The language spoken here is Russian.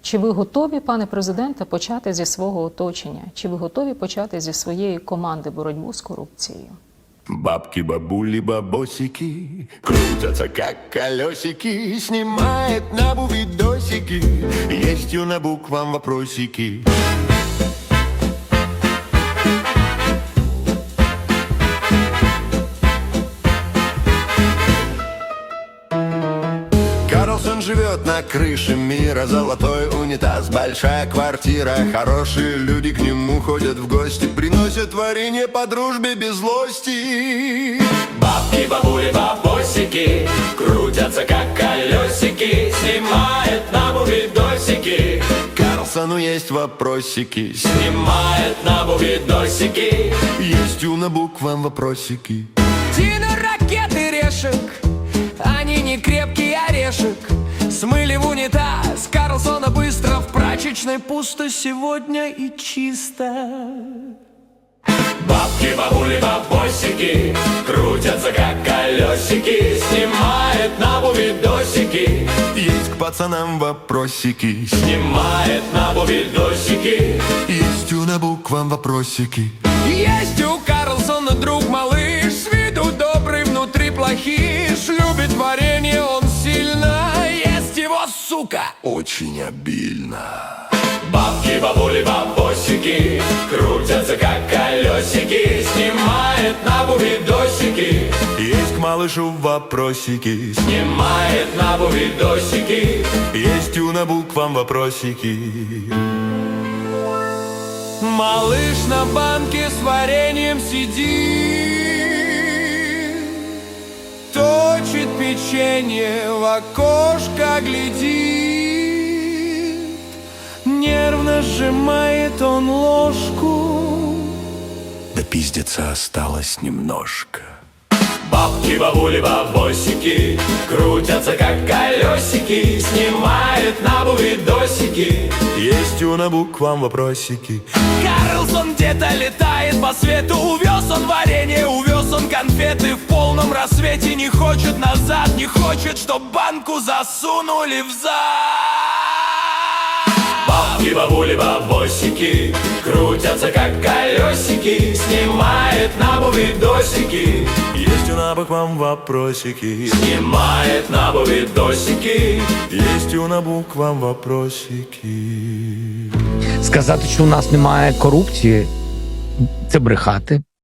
Чи ви готові, пане президенте, почати зі свого оточення? Чи ви готові почати зі своєї команди боротьбу з корупцією? Бабки, бабули, бабосики крутятся, как колесики. Снимает набу видосики. Есть у набу к вам вопросики. Карлсон живет на крыше мира. Золотой унитаз, большая квартира. Хорошие люди к нему ходят в гости. Приносят варенье по дружбе без злости. Бабки, бабули, бабосики крутятся, как колесики. Снимает набу видосики. Карлсону есть вопросики. Снимает набу видосики. Есть у набу к вам вопросики. Дина ракеты решек, они не крепкий орешек. Смыли в унитаз Карлсона быстро. В прачечной пусто сегодня и чисто. Бабки, бабули, бабосики крутятся, как колесики. Снимает набу видосики. Есть к пацанам вопросики. Снимает набу видосики. Есть у набу к вам вопросики. Есть у Карлсона друг малыш, с виду добрый, внутри плохиш. Любит варенье он сильно, ест его, сука, Очень обильно. Бабки, бабули, бабосики крутятся, как колесики. Снимает набу видосики. Есть к малышу вопросики. Снимает набу видосики. Есть у набу к вам вопросики. малыш на банке с вареньем сидит, точит печенье, в окошко глядит. Нервно сжимает он ложку. Да пиздеца осталось немножко. Бабки, бабули, бабосики крутятся, как колесики. Снимает набу видосики. Есть у набу к вам вопросики. Карлсон где-то летает по свету. Увез он варенье, увез он конфеты. В полном рассвете не хочет назад, не хочет, чтоб банку засунули в зад. Бабки, бабули, бабосики крутятся, как колесики. Снимает набу видосики. Есть у набу к вам вопросики. Снимает набу видосики. Есть у набу к вам вопросики. Сказати, що у нас немає корупції, це брехати.